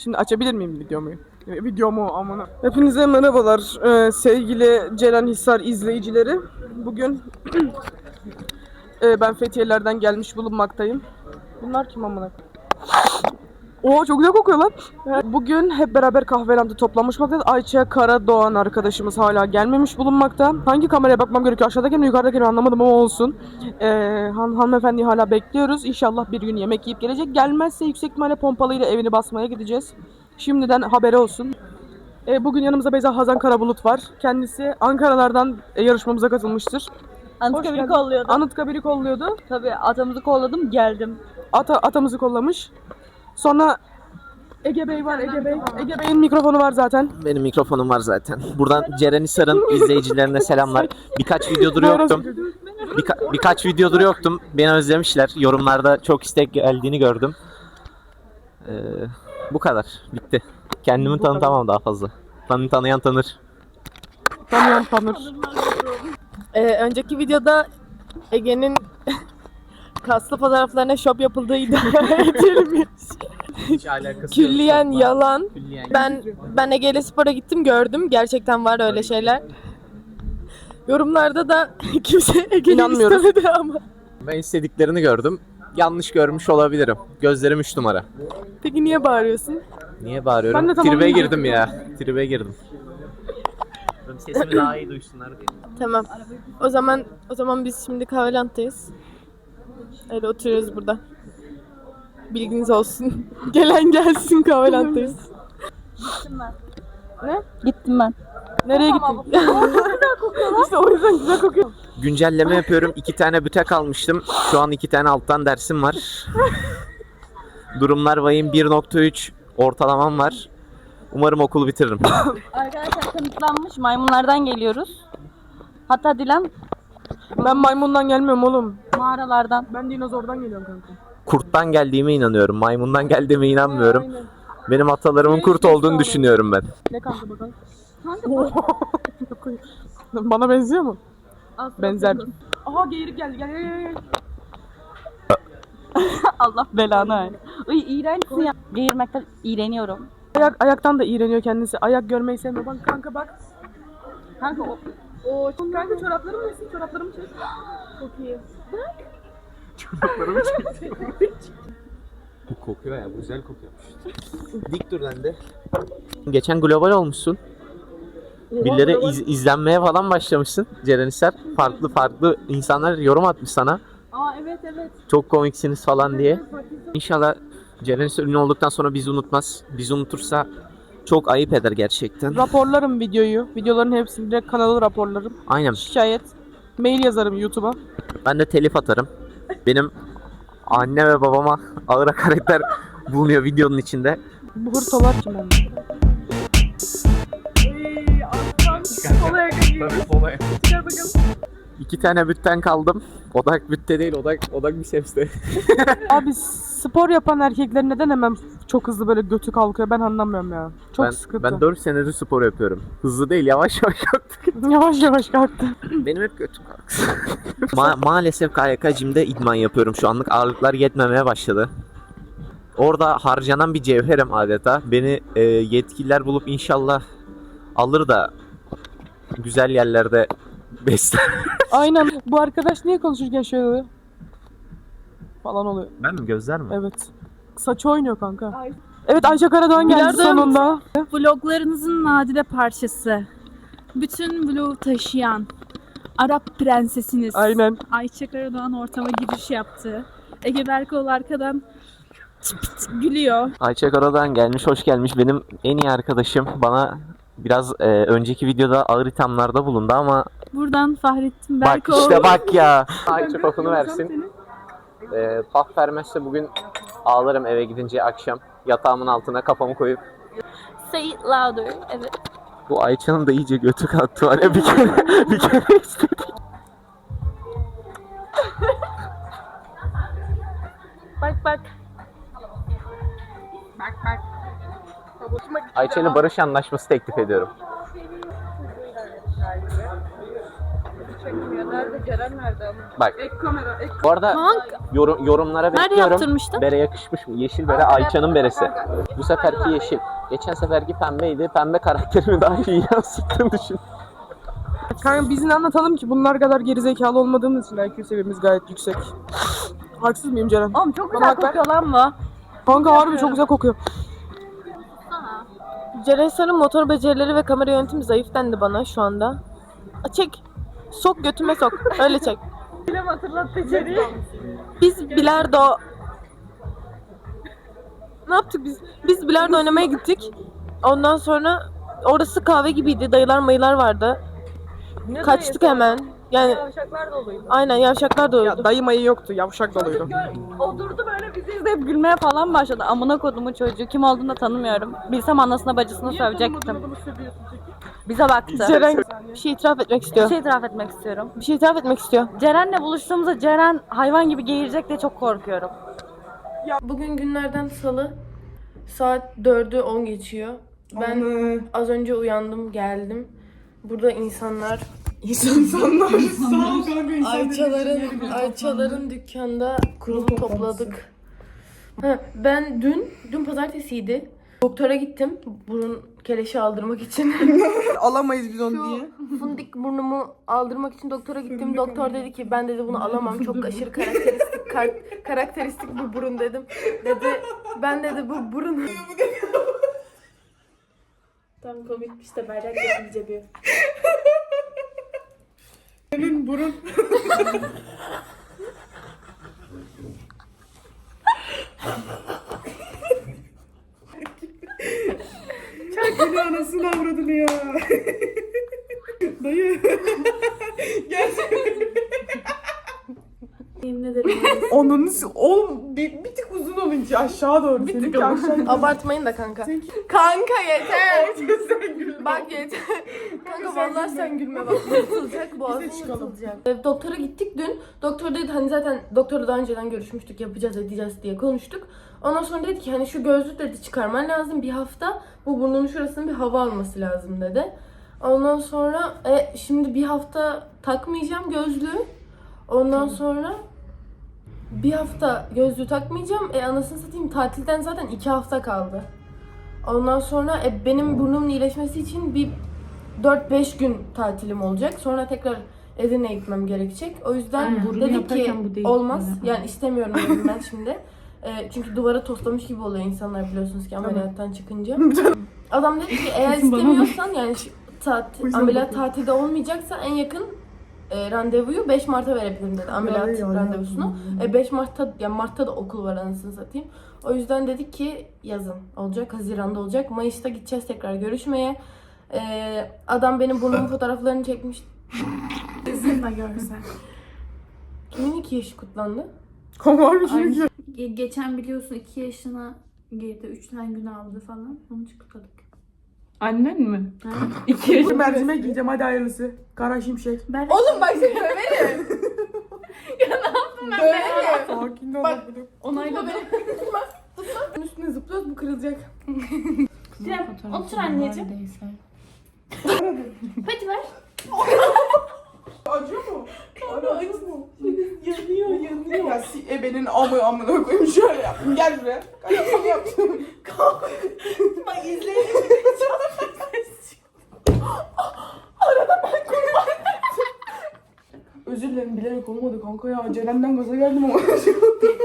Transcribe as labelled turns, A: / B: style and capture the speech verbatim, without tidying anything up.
A: Şimdi açabilir miyim videomu? E, videomu amına. Hepinize merhabalar ee, sevgili Ceren Hisar izleyicileri. Bugün e, ben Fethiye'lerden gelmiş bulunmaktayım. Bunlar kim amına? Oo çok güzel kokuyor lan. Bugün hep beraber kahvelerde toplanmış bulunmaktayız. Ayça Karadoğan arkadaşımız hala gelmemiş bulunmakta. Hangi kameraya bakmam gerekiyor? Aşağıdaki mi yukarıdaki mi anlamadım ama olsun. Ee, han hanımefendiyi hala bekliyoruz. İnşallah bir gün yemek yiyip gelecek. Gelmezse yüksek ihtimalle pompalıyla evini basmaya gideceğiz. Şimdiden haberi olsun. Ee, bugün yanımızda Beyza Hazan Karabulut var. Kendisi Ankaralardan e, yarışmamıza katılmıştır.
B: Anıtkabir'i kolluyordu.
A: Anıtkabir'i kolluyordu.
B: Tabii atamızı kolladım, geldim.
A: Ata, atamızı kollamış. Sonra Ege Bey var, Ege Bey. Ege Bey'in mikrofonu var zaten.
C: Benim mikrofonum var zaten. Buradan Ceren Hisar'ın izleyicilerine selamlar. Birkaç videodur yoktum. Birka- birkaç videodur yoktum. Beni özlemişler. Yorumlarda çok istek geldiğini gördüm. Ee, bu kadar. Bitti. Kendimi
A: Bu
C: tanıtamam daha fazla. Tanı tanıyan tanır.
A: Tanıyan tanır. Ee, önceki videoda Ege'nin kaslı fotoğraflarına şop yapıldığı iddia edilmiş.
C: Hiç alakası
A: Külliyen yalan.
C: Külliyen.
A: Ben ben Ege'yle spora gittim, gördüm. Gerçekten var öyle şeyler. Yorumlarda da kimse Ege'yi istemedi ama.
C: Ben istediklerini gördüm. Yanlış görmüş olabilirim. Gözlerim üç numara.
A: Peki niye bağırıyorsun?
C: Niye bağırıyorum?
A: Ben de tamam
C: Tribe
A: diyecektim.
C: girdim ya. Tribe girdim. Sesimi daha iyi duysunlar diye.
A: Tamam. O zaman o zaman biz şimdi Kahvelant'tayız. Öyle oturuyoruz burada. Bilginiz olsun. Gelen gelsin, Kahvelant'tayız.
B: Gittim ben.
A: Ne?
B: Gittim ben.
A: Nereye gittin? İşte o yüzden güzel kokuyor.
C: Güncelleme yapıyorum. İki tane bütek almıştım. Şu an iki tane alttan dersim var. Durumlar vahim, bir nokta üç ortalamam var. Umarım okulu bitiririm.
B: Arkadaşlar kanıtlanmış, maymunlardan geliyoruz. Hatta Dilan
A: Ben maymundan gelmiyorum oğlum.
B: mağaralardan.
A: Ben dinozordan geliyorum kanka.
C: Kurttan geldiğime inanıyorum. Maymundan geldiğime inanmıyorum.
A: Aynen.
C: Benim atalarımın kurt olduğunu düşünüyorum ben.
A: Ne kanka bakalım?
B: Kanka
A: Bana benziyor mu?
B: Aslında
A: Benzer. Aha geyirik geldi. Gel gel gel.
B: Allah belanı ver. Uy iğrençsin ya. Geğirmekten iğreniyorum.
A: Ayak, ayaktan da iğreniyor kendisi. Ayak görmeyi sevmiyor. Bak kanka bak.
B: Kanka o
A: Oo, kanka çoraplarımı yesin, çoraplarımı çek. Çok iyi. Bak.
C: Çoraplarımı çektim. Bu kokuyor ya, bu güzel kokuyormuş. Dik dur lan de. Geçen global olmuşsun. Birileri iz, izlenmeye falan başlamışsın Ceren Hisar. Farklı farklı insanlar yorum atmış sana.
A: Aa evet evet.
C: Çok komiksiniz falan diye. İnşallah Ceren Hisar ünlü olduktan sonra bizi unutmaz. Bizi unutursa çok ayıp eder gerçekten.
A: Raporlarım videoyu. Videoların hepsini direkt kanalı raporlarım.
C: Aynen.
A: Şikayet. Mail yazarım YouTube'a.
C: Ben de telif atarım. Benim anne ve babama ağır hakaretler bulunuyor videonun içinde.
A: Bu hırtolar kim oldu? Eee aslan. Olaya
C: Olay.
A: Gel bakalım.
C: İki tane bütten kaldım. Odak bütte değil, odak odak bir sepste.
A: Abi spor yapan erkekler neden hemen çok hızlı böyle götü kalkıyor, ben anlamıyorum ya. Çok
C: ben,
A: sıkıntı.
C: ben dört senedir spor yapıyorum. Hızlı değil, yavaş yavaş yaptık.
A: Yavaş yavaş kalktı.
C: Benim hep götüm kalksın. Ma- maalesef K Y K Gym'de idman yapıyorum şu anlık. Ağırlıklar yetmemeye başladı. Orada harcanan bir cevherim adeta. Beni e, yetkililer bulup inşallah alır da güzel yerlerde besler.
A: Aynen. Bu arkadaş niye konuşurken şöyle oluyor? Falan oluyor.
C: Ben mi, gözler mi?
A: Evet. Saçı oynuyor kanka. Evet, Ayça Karadoğan geldi
D: Bilardo
A: sonunda.
D: Vloglarınızın nadide parçası. Bütün vlogu taşıyan Arap prensesiniz.
A: Aynen.
D: Ayça Karadoğan ortama giriş yaptı. Ege Berkoğlu arkadan çıt pıt gülüyor.
C: Ayça Karadan gelmiş, hoş gelmiş. Benim en iyi arkadaşım. Bana biraz e, önceki videoda ağır ithamlarda bulundu ama
D: Buradan Fahrettin
C: bak
D: Berkoğlu.
C: işte bak ya. Ayça kokunu versin. E, paf vermezse bugün ağlarım eve gidince akşam. Yatağımın altına kafamı koyup.
B: Say it louder. Evet.
C: Bu Ayça'nın da iyice götü kalktı var ya, bir kere bir kere istedik.
B: Bak bak.
A: Bak bak.
C: Ayça ile barış anlaşması teklif ediyorum.
A: Çekmiyor. Nerede Ceren nerede ama?
C: Bak.
A: Ek kamera, ek
C: Bu arada
D: Kanka.
C: yorum, yorumlara
D: Nerede
C: bekliyorum.
D: yaptırmıştın?
C: Bere yakışmış mı? Yeşil bere Ayça'nın beresi. Bu seferki yeşil. Geçen seferki pembeydi. Pembe karakterimi daha iyi yansıttığını düşün.
A: Kanka biz ne anlatalım ki bunlar kadar gerizekalı olmadığımız için I Q seviyemiz gayet yüksek. Haksız mıyım Ceren?
B: Oğlum çok
A: Bana
B: güzel
A: bak ben-
B: kokuyor lan bu.
A: Kanka harbi çok güzel kokuyor.
E: Ceren Sarı'nın motor becerileri ve kamera yönetimi zayıf dendi bana şu anda. A, Çek. Sok götüme sok. Öyle çek.
B: Film hatırlattı içeriği.
E: Biz bilardo... Ne yaptık biz? Biz bilardo oynamaya gittik. Ondan sonra orası kahve gibiydi. Dayılar mayılar vardı. Kaçtık hemen. Yani
B: Yavşaklar doluydu.
E: aynen yavşaklar da
A: Ya
E: oldu.
A: dayı mayı yoktu, yavşak doluydu.
B: Oturdu böyle bizi izleyip gülmeye falan başladı. Amına kodumu çocuğu. Kim olduğunu da tanımıyorum. Bilsem anasına bacısına sövecektim. Bize baktı.
E: Ceren bir şey itiraf etmek
B: Bir
E: istiyor.
B: şey itiraf etmek istiyorum.
E: Bir şey itiraf etmek istiyor.
B: Ceren'le buluştuğumuzda Ceren hayvan gibi geğirecek diye çok korkuyorum.
E: Bugün günlerden salı. Saat dördü on geçiyor. Ben az önce uyandım, geldim. Burada insanlar
A: İnsanlar sağ ol kanka.
E: Ayçaların Ayçaların dükkanda kurulu topladık. Ha, ben dün dün pazartesiydi. Doktora gittim burun keleşi aldırmak için.
A: Alamayız biz onu diye.
E: Fundik burnumu aldırmak için doktora gittim. Doktor dedi ki ben dedi bunu alamam. Çok aşırı karakteristik kar- karakteristik bir burun dedim. Dedi ben dedi bu burun
D: Tam komik işte bayrak yapınca bir.
A: Senin burun. Çakını anasını avradını ya. Dayı.
D: Yemin ederim.
A: Onun oğlum bir, bir tık uzun olunca aşağı doğru. Bir tık aşağı.
E: abartmayın da kanka. Kanka yeter. Bak yeter. Kanka vallahi sen gülme bak. Yırtılacak boğazın yırtılacak. Ee, Doktora gittik dün. Doktor dedi hani zaten doktorla daha önceden görüşmüştük yapacağız edeceğiz diye konuştuk. Ondan sonra dedi ki hani şu gözlük dedi çıkarman lazım bir hafta. Bu burnunun şurasının bir hava alması lazım dedi. Ondan sonra e, şimdi bir hafta takmayacağım gözlüğü. Ondan sonra bir hafta gözlüğü takmayacağım. E anasını satayım tatilden zaten iki hafta kaldı. Ondan sonra e, benim burnumun iyileşmesi için bir dört beş gün tatilim olacak. Sonra tekrar Edirne'ye gitmem gerekecek. O yüzden
D: Aynen.
E: dedik ki
D: Yaparken bu değil.
E: olmaz.
D: Aynen.
E: Yani istemiyorum dedim ben şimdi. E, çünkü duvara toslamış gibi oluyor insanlar biliyorsunuz ki ameliyattan çıkınca. Adam dedi ki eğer istemiyorsan yani şu tatil, ameliyat tatilde olmayacaksa en yakın e, randevuyu beş Mart'a verebilirim dedi ameliyat randevusunu. E, beş Mart'ta yani Mart'ta da okul var anasını satayım. O yüzden dedik ki yazın olacak, Haziran'da olacak. Mayıs'ta gideceğiz tekrar görüşmeye. E, adam benim burnumun fotoğraflarını çekmiş.
D: Kızım da görsen.
E: Kimin iki yaşı kutlandı?
A: Komar bir şey.
D: Ge- geçen biliyorsun iki yaşına girdi. Üç tane gün aldı falan. Onu kutladık.
A: Annen mi? İki yaşında mercimek yiyeceğim hadi hayırlısı. Kara şimşek.
D: Ben
E: Oğlum bak seni döverim. ya ne yaptım ben? Döverim.
A: Sakin ol.
E: Bak.
D: onayladım.
E: Tutma. Tutma. Bunun üstüne zıplıyoruz bu kırılacak.
D: Cem, otur anneciğim. Hadi ver.
A: Acıyor mu? Acıyor mu? Yanıyor yanıyor. Ya si ebenin amı amına koyayım şöyle yaptım. Gel buraya. Kalk yaptım. Kalk. Bak izleyelim. Arada ben kurban. Özür dilerim bilerek olmadı kanka ya. Ceren'den gaza geldim ama.